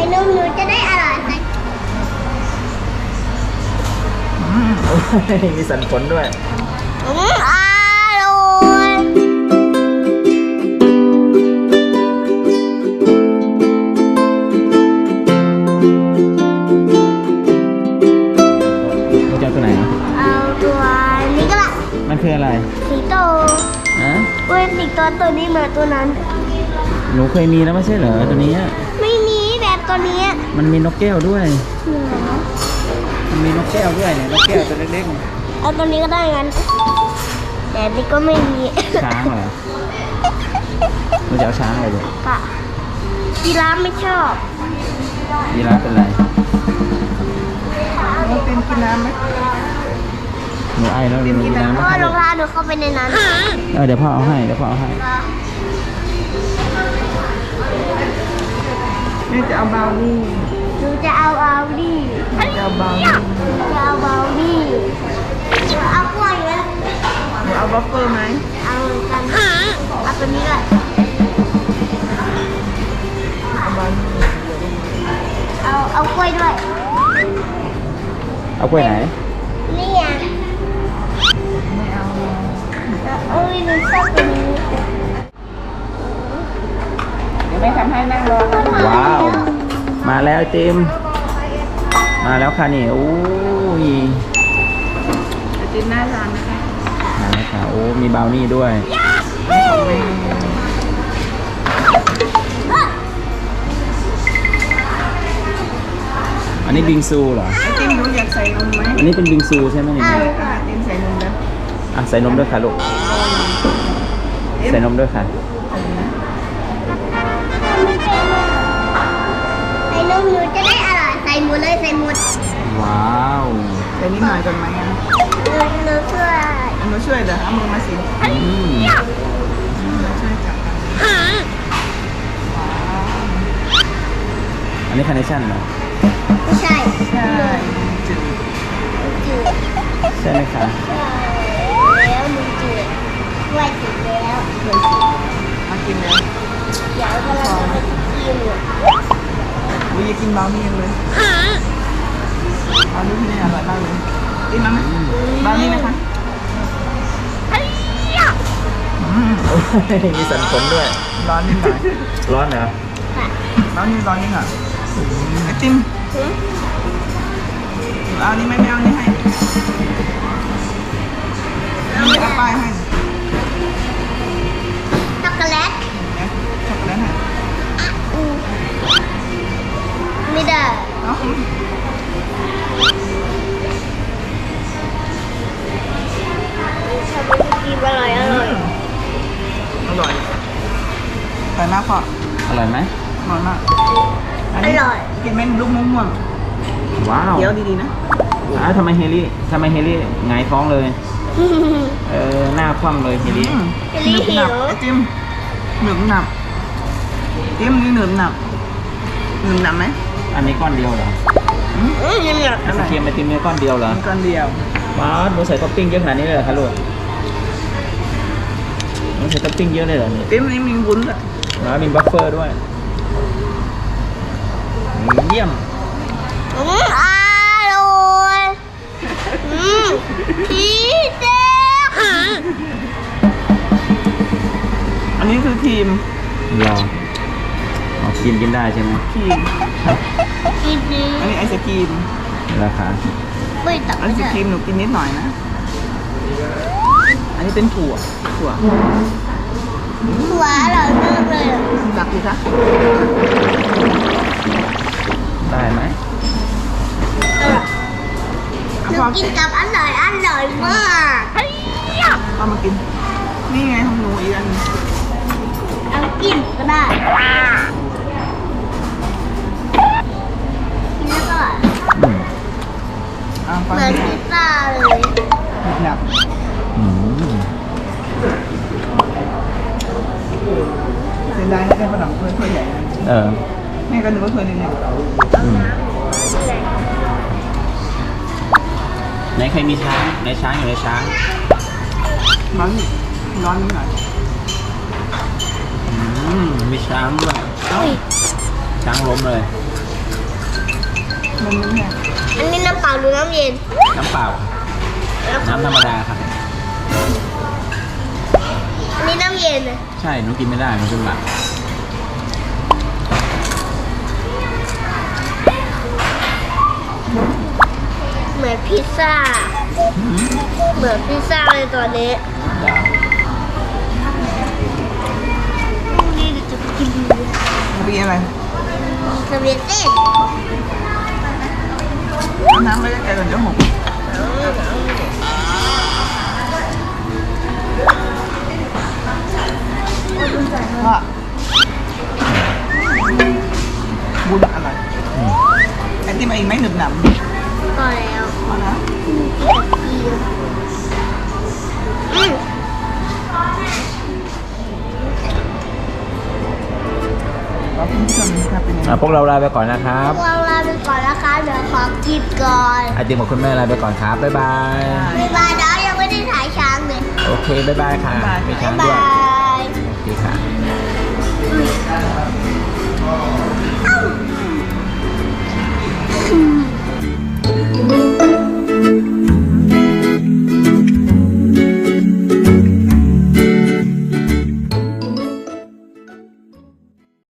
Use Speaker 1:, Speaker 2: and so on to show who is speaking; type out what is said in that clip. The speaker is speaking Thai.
Speaker 1: นมหนูจะได้อร่อยไหม
Speaker 2: มีสันผลด้วย
Speaker 1: อร่อย
Speaker 2: เราจะเอาตัวไหน
Speaker 1: เอาตัวนี้ก็ละ
Speaker 2: มันคืออะไร
Speaker 1: สิงโต
Speaker 2: ฮะ
Speaker 1: เว้ยสิงโตตัวนี้เหมือนตัวนั้น
Speaker 2: หนูเคยมีแล้วไม่ใช่เหรอตัวนี้
Speaker 1: ไม่มีแบบตัวนี้
Speaker 2: มันมีนกแก้วด้วย
Speaker 1: เหนือ
Speaker 2: มันมีนกแก้วด้วยเนี่ยนกแก้วตัวเล็ก
Speaker 1: เอาตัวนี้ก็ได้งั้นแต่อันนี่ก็ไม่มี
Speaker 2: ๆ ช้างเหรอเราจะเอาช้างอะไรดี
Speaker 1: ปะกีราฟไม่ชอบ
Speaker 2: ยีราฟเป็นไร
Speaker 3: น้องเต็มกินน้ำไหม
Speaker 2: หนูไอแล้วหนูกินน้ำ
Speaker 1: เพ
Speaker 2: ไหม
Speaker 1: ราะ
Speaker 2: คะ
Speaker 1: ว่าร
Speaker 2: ลู
Speaker 1: อก งเท้าหนูเข้าไปในนั้น
Speaker 2: เดี๋ยวพ่อเอาให้เดี๋ยวพ่อเอาให้
Speaker 3: นี่จะเอาบราวนี่
Speaker 1: หนูจะเอาเอาดิ
Speaker 3: จะเอาบราวนี่
Speaker 1: จะเอาเบาดิจะเอากล้วยไหม
Speaker 3: หนูเอาบัฟเฟอร์ไหม
Speaker 1: เอาเหมือนกันเอาตัวนี้แหละ
Speaker 3: เอาบราวนี่
Speaker 1: เอากล้วยด้วย
Speaker 2: เอากล้วยไหน
Speaker 1: นี่ไง
Speaker 3: ไม่เอา
Speaker 1: เอ้ยหนูชอบตัวนี้
Speaker 3: เดี๋ยวไม่ทำให้นั่งรอนะ
Speaker 2: ว้าว มาแล้วไอติมมาแล้วค่ะนี่โอ้ย
Speaker 3: ไอติมน่าทานนะคะ
Speaker 2: มาแล้วค่ะโอ้มีบราวนี่ด้วย
Speaker 3: ของแม่
Speaker 2: อันนี้บิงซูเหรอ
Speaker 3: ไอติมหนูอยากใส่นมไหม
Speaker 2: อันนี้เป็นบิงซูใช่ไหมนี่
Speaker 3: ไอติมใส่นมแล้ว
Speaker 2: อ่ะใส่นมด้วยค่ะลูกใส่นมด้วยค่ะ
Speaker 1: ใส่นมหนูจะได้อร่อยใส่หมดเลยใส่หมด
Speaker 2: ว้าว
Speaker 3: ใส่นิดหน่อยก่อนไหมอ่ะ
Speaker 1: หนูช่วย
Speaker 3: หนูช่วยเดี๋ยวเอามือมาสิ
Speaker 2: อืม
Speaker 3: ช่วยจับกัน
Speaker 2: อันนี้คาร์เนชั่นเหรอ
Speaker 1: ไม่ใช่
Speaker 3: ใช่จืด
Speaker 1: จืด
Speaker 2: ใช่ไหมคะ
Speaker 1: แล้วหนูจืดกล้วยจืดแล้ว
Speaker 3: เลยสิมากินแล้ว
Speaker 1: เดี๋ยวกำลังจะไปกิน
Speaker 3: อุ้ยอยากกินบราวนี่ยังเลยบราวนี่ที่นี่อร่อยมากเลยกินมั้ยบราวนี่นะคะ
Speaker 2: มีสันผลด้วย
Speaker 3: ร้อนนิดหน่อย
Speaker 2: ร้อนเหรอ
Speaker 3: ร้อนนิดหน่อยไอติมเอานี่ไม่เอานี่ให้นี่เอาป้ายให้
Speaker 1: ช็อกโกแลต
Speaker 3: นะช็อกโกแลตให้
Speaker 1: ไม่ได้
Speaker 3: เอ้า
Speaker 1: ทำเป็นกินอร่อยอร่อย
Speaker 3: อร่อยอร่อยมากพ่อ
Speaker 2: อร่อยไหม
Speaker 3: อร่อยมาก
Speaker 1: อร่อย
Speaker 3: กินเม็ดลูกม่วง
Speaker 2: ว้าว
Speaker 3: ๆเดี๋ยวดีๆนะ
Speaker 2: ทำไมเฮลี่หงายท้องเลย หน้าคว่ำเลยเฮลี่
Speaker 3: หนึบหนับไอติมหนึบหนับติมนี่หนึบหนับไหม
Speaker 2: อันนี้ก้อนเดียวเหรอ
Speaker 1: ยังหนัก
Speaker 2: ไอศครีมไอติมเนี่ยก้อนเดียวเหรอ
Speaker 3: มีก้อนเดียว
Speaker 2: ว้าวหนูใส่ท็อปปิ้งเยอะขนาดนี้เลยเหรอคะลูกหนูใส่ท็อปปิ้งเยอะเลยเหรอเนี่ย
Speaker 3: ติมนี่มีวุ้นอ่ะ
Speaker 2: แล้วมีบัฟเฟอร์ด้วยเยี่ยม
Speaker 1: อร่อยพีเจ๊
Speaker 3: อันนี้คือครีม
Speaker 2: รอเอาครีมกินได้ใช่ไหม
Speaker 3: ครีม
Speaker 1: กินดี
Speaker 3: อันนี้ไอศครีม
Speaker 2: ราคา
Speaker 1: ไม่ตัก
Speaker 3: ไอ
Speaker 1: ไม่
Speaker 3: ศ
Speaker 1: ได้
Speaker 3: ครีมหนูกินนิดหน่อยนะ อันนี้เป็นถั่ว
Speaker 1: ถั่วอร่อยมากเลย
Speaker 3: หลักดีคะ
Speaker 2: ได้ไหม
Speaker 1: หนูกินกับอร่อยมาก
Speaker 3: เอามากิน นี่ไงของหนูอีกอันหนึ่ง
Speaker 1: เอากินก็ได้กินแล้วก็
Speaker 2: อืม
Speaker 1: เหมือนพิซซ่าเลย
Speaker 3: หนับ
Speaker 2: อืม
Speaker 3: เสียดายนะได้ขนมถ้วยใหญ่นะ
Speaker 2: เออ
Speaker 3: แม่ก็นึกว่าถ้วยนึงเนี่ย
Speaker 2: อืมไหนใครมีช้างในช้างอยู่ในช้าง
Speaker 3: ร้อนนิดหน่อย
Speaker 2: มีช้างด้วย
Speaker 1: อุ้ย
Speaker 2: ช้างล้มเลย
Speaker 3: มันไม่แห้ง
Speaker 1: อันนี้น้ำเปล่าหรือน้ำเย็น
Speaker 2: น้ำเปล่า น้ำธรรมดาครับ
Speaker 1: อันนี้น้ำเย็นนะ
Speaker 2: ใช่หนูกินไม่ได้มันขึ้นหลัง
Speaker 1: เหมือนพิซซ่า เหมือนพิซซ่าเลยตอนนี้นี่เดี๋ยวจะกิน
Speaker 3: มีอะไร
Speaker 1: สเวียเต้น
Speaker 3: เอาน้ำไม่ได้ไกลก่อนเดี๋ยวหกว่าบุญอะไรไอติมอีกไหมหนึบหนำ
Speaker 1: พอแล้ว
Speaker 3: เอานะ
Speaker 1: อืม
Speaker 3: ขอบคุณผู้ชมนะครับเป็นยังไง
Speaker 2: พวกเราลาไปก่อนนะครับ
Speaker 1: เราลาไปก่อนนะคะเดี๋ยวขอกินก่อน
Speaker 2: ไอติมของคุณแม่ลาไปก่อนครับ บ๊ายบาย
Speaker 1: บ๊ายบายเดี๋ยวยังไม่ได้ถ่ายช้างเลย
Speaker 2: โอเค บ๊ายบายค่ะ
Speaker 3: บ๊ายบาย
Speaker 2: มีช้าง
Speaker 1: บ๊าย
Speaker 2: ด้วย
Speaker 1: บาย
Speaker 2: โอเคค่ะ